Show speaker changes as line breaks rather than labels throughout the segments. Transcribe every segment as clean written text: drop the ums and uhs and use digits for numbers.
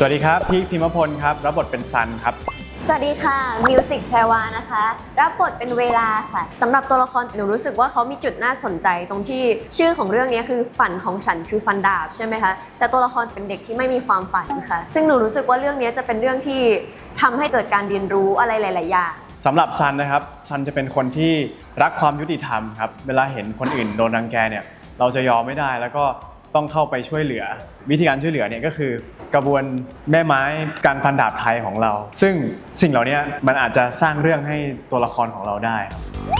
วัสดีครับพีคพิมพลครับรับบทเป็นซันครับ
สวัสดีค่ะมิวสิกแพรวานะคะรับบทเป็นเวลาค่ะสำหรับตัวละครหนูรู้สึกว่าเขามีจุดน่าสนใจตรงที่ชื่อของเรื่องนี้คือฝันของฉันคือฟันดาบใช่ไหมคะแต่ตัวละครเป็นเด็กที่ไม่มีความฝันค่ะซึ่งหนูรู้สึกว่าเรื่องนี้จะเป็นเรื่องที่ทำให้เกิดการเรียนรู้อะไรหลายๆอย่าง
สำหรับซันนะครับซันจะเป็นคนที่รักความยุติธรรมครับเวลาเห็นคนอื่นโดนรังแกเนี่ยเราจะยอมไม่ได้แล้วก็ต้องเข้าไปช่วยเหลือวิธีการช่วยเหลือเนี่ยก็คือกระบวนแม่ไม้การฟันดาบไทยของเราซึ่งสิ่งเหล่านี้มันอาจจะสร้างเรื่องให้ตัวละครของเราได้ครับ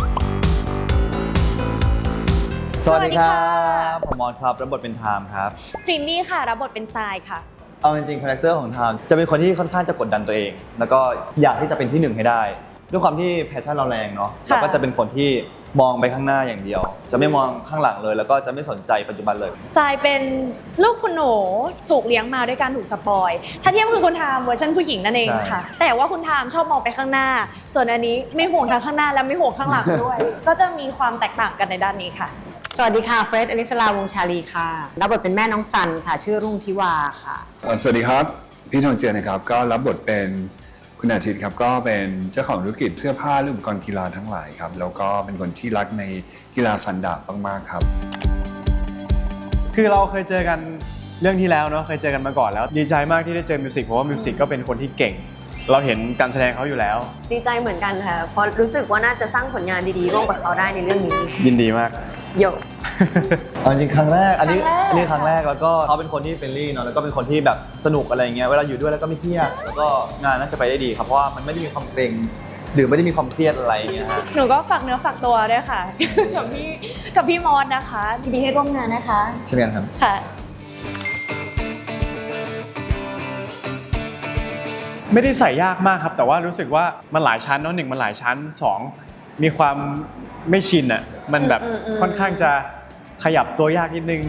สวัสดีครับผมมอนครับรับบทเป็นไทม์ครับ
พริมมี่ค่ะรับบทเป็นทรายค่ะ
เอาจริงๆคาแรคเตอร์ของไทม์จะเป็นคนที่ค่อนข้างจะกดดันตัวเองแล้วก็อยากที่จะเป็นที่หนึ่งให้ได้ด้วยความที่แพชชั่นเราแรงเนาะเราก็จะเป็นคนที่มองไปข้างหน้าอย่างเดียวจะไม่มองข้างหลังเลยแล้วก็จะไม่สนใจปัจจุบันเลย
ทรายเป็นลูกคุณหนูถูกเลี้ยงมาด้วยการถูกสปอยถ้าเทียบคือคุณทามเวอร์ชันผู้หญิงนั่นเองค่ะแต่ว่าคุณทามชอบมองไปข้างหน้าส่วนอันนี้ไม่ห่วงทางข้างหน้าและไม่ห่วงข้างหลังด้วย ก็จะมีความแตกต่างกันในด้านนี้ค่ะ
สวัสดีค่ะเฟรดอลิซลาวงชาลีค่ะรับบทเป็นแม่น้องซันค่ะชื่อรุ่งทิวาค่ะ
สวัสดีครับพี่ทองเจือนะครับก็รับบทเป็นคุณอาทิตย์ครับก็เป็นเจ้าของธุรกิจเสื้อผ้าและอุปกรณ์กีฬาทั้งหลายครับแล้วก็เป็นคนที่รักในกีฬาฟันดาบมากๆครับ
คือเราเคยเจอกันเรื่องที่แล้วเนาะเคยเจอกันมาก่อนแล้วดีใจมากที่ได้เจอมิวสิกเพราะว่ามิวสิกก็เป็นคนที่เก่งเราเห็นการแสดงเขาอยู่แล้ว
ดีใจเหมือนกันค่ะเพราะรู้สึกว่าน่าจะสร้างผลงานดีๆร่วมกับเขาได้ในเรื่องนี้
ยินดีมาก
โย
เอาจริงครั้งแรกอันนี้ครั้งแรกแล้วก็เขาเป็นคนที่เฟรนลี่เนาะแล้วก็เป็นคนที่แบบสนุกอะไรเงี้ยเวลาอยู่ด้วยแล้วก็ไม่เครียดแล้วก็งานน่าจะไปได้ดีครับเพราะว่ามันไม่ได้มีความเกรงหรือไม่ได้มีความเครียดอะไรเงี้ยฮะ
หนูก็ฝากเนื้อฝากตัวด้วยค่ะ กับพี่มอสนะคะยินดีให้ร่วมงานนะคะ
เช่นกันครับ
ค่ะ
ไม่ได้ใส่ยากมากครับแต่ว่ารู้สึกว่ามันหลายชั้นเนาะ1มันหลายชั้น2มีความไม่ชินอ่ะมันแบบค่อนข้างจะขยับตัวยากนิดนึง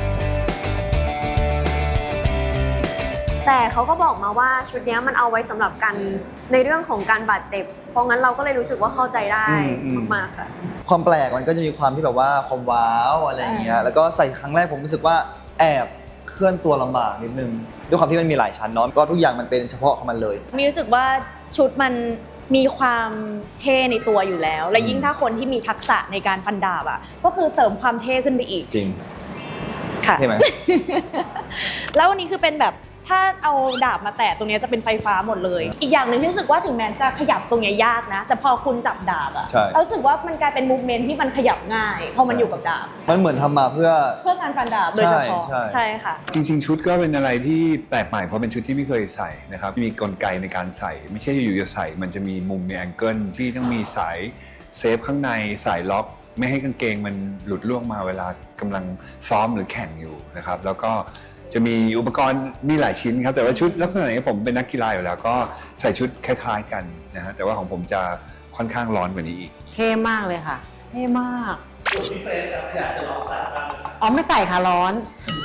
แต่เขาก็บอกมาว่าชุดนี้มันเอาไว้สำหรับกันในเรื่องของการบาดเจ็บเพราะงั้นเราก็เลยรู้สึกว่าเข้าใจได้มากๆค่ะ
ความแปลกมันก็จะมีความที่แบบว่าความว้าวอะไรเงี้ยแล้วก็ใส่ครั้งแรกผมรู้สึกว่าแอบเคลื่อนตัวลำบากนิดนึงด้วยความที่มันมีหลายชั้นเนาะก็ทุกอย่างมันเป็นเฉพาะของมันเลย
มีรู้สึกว่าชุดมันมีความเท่ในตัวอยู่แล้วและยิ่งถ้าคนที่มีทักษะในการฟันดาบอ่ะก็คือเสริมความเท่ขึ้นไปอีก
จริง
ค่ะ
ใช่ไหม
แล้ววันนี้คือเป็นแบบถ้าเอาดาบมาแตะตรงนี้จะเป็นไฟฟ้าหมดเลยอีกอย่างหนึ่งที่รู้สึกว่าถึงแม้จะขยับตรงนี้ยากนะแต่พอคุณจับดาบอะรู้สึกว่ามันกลายเป็นมูฟเมนท์ที่มันขยับง่ายพอมันอยู่กับดาบ
มันเหมือนทำมาเพื่อ
การฟันดาบโดยเฉพาะใช่ค่ะ
จริงๆชุดก็เป็นอะไรที่แปลกใหม่เพราะเป็นชุดที่ไม่เคยใส่นะครับมีกลไกในการใส่ไม่ใช่อยู่ๆจะใส่มันจะมีมุมมีแองเกิลที่ต้องมีสายเซฟข้างในสายล็อกไม่ให้กางเกงมันหลุดล่วงมาเวลากำลังซ้อมหรือแข่งอยู่นะครับแล้วก็จะมีอุปกรณ์มีหลายชิ้นครับแต่ว่าชุดลักษณะนี้ผมเป็นนักกีฬาอยู่แล้วก็ใส่ชุดคล้ายๆกันนะฮะแต่ว่าของผมจะค่อนข้างร้อนกว่านี้อีก
เท่มากเลยค่ะเท่มากพี่เฟรนอยากจะลองใส่บ้างอ๋อไม่ใส่ค่ะร้อน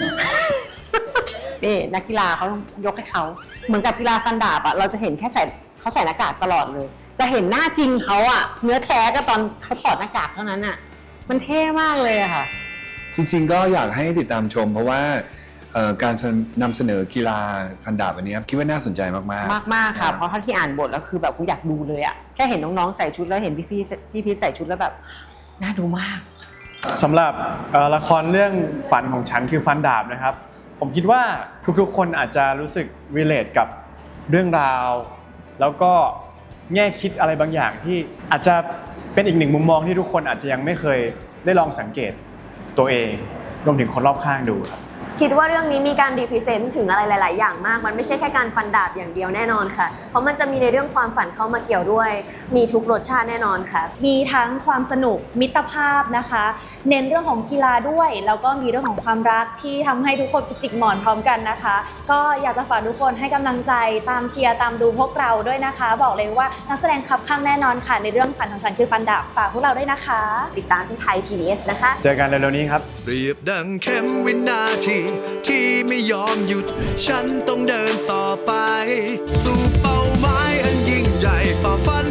นี่นักกีฬาเขายกให้เขาเหมือนกับกีฬาฟันดาบอะเราจะเห็นแค่เขาใส่หน้ากากตลอดเลยจะเห็นหน้าจริงเขาอะเนื้อแท้ก็ตอนเขาถอดหน้ากากเท่านั้นอะมันเท่มากเลยอะค่ะ
จริงๆก็อยากให้ติดตามชมเพราะว่าการนำเสนอกีฬาฟันดาบอันนี้คิดว่าน่าสนใจมาก
ๆมากๆค่ะเพราะถ้าที่อ่านบทแล้วคือแบบกูอยากดูเลยอะแค่เห็นน้องๆใส่ชุดแล้วเห็นพี่ใส่ชุดแล้วแบบน่าดูมาก
สำหรับละครเรื่องฝันของฉันคือฟันดาบนะครับผมคิดว่าทุกๆคนอาจจะรู้สึก relate กับเรื่องราวแล้วก็แง่คิดอะไรบางอย่างที่อาจจะเป็นอีกหนึ่งมุมมองที่ทุกคนอาจจะยังไม่เคยได้ลองสังเกตตัวเองรวมถึงคนรอบข้างดูครับ
คิดว่าเรื่องนี้มีการรีพรีเซนต์ถึงอะไรหลายๆอย่างมากมันไม่ใช่แค่การฟันดาบอย่างเดียวแน่นอนค่ะเพราะมันจะมีในเรื่องความฝันเข้ามาเกี่ยวด้วยมีทุกรสชาติแน่นอนค่ะ
มีทั้งความสนุกมิตรภาพนะคะเน้นเรื่องของกีฬาด้วยแล้วก็มีเรื่องของความรักที่ทำให้ทุกคนจิกหมอนพร้อมกันนะคะก็อยากจะฝากทุกคนให้กำลังใจตามเชียร์ตามดูพวกเราด้วยนะคะบอกเลยว่านักแสดงคับข้างแน่นอนค่ะในเรื่องฝันของฉันคือฟันดาบฝากพวกเราด้วยนะคะ
ติดตามที่ไทย PBS นะคะ
เจอกันเร็วๆนี้ครับ
เปรียบดังเข็มวินาทีที่ไม่ยอมหยุดฉันต้องเดินต่อไปสู่เป้าหมายอันยิ่งใหญ่ฝ่าฟัน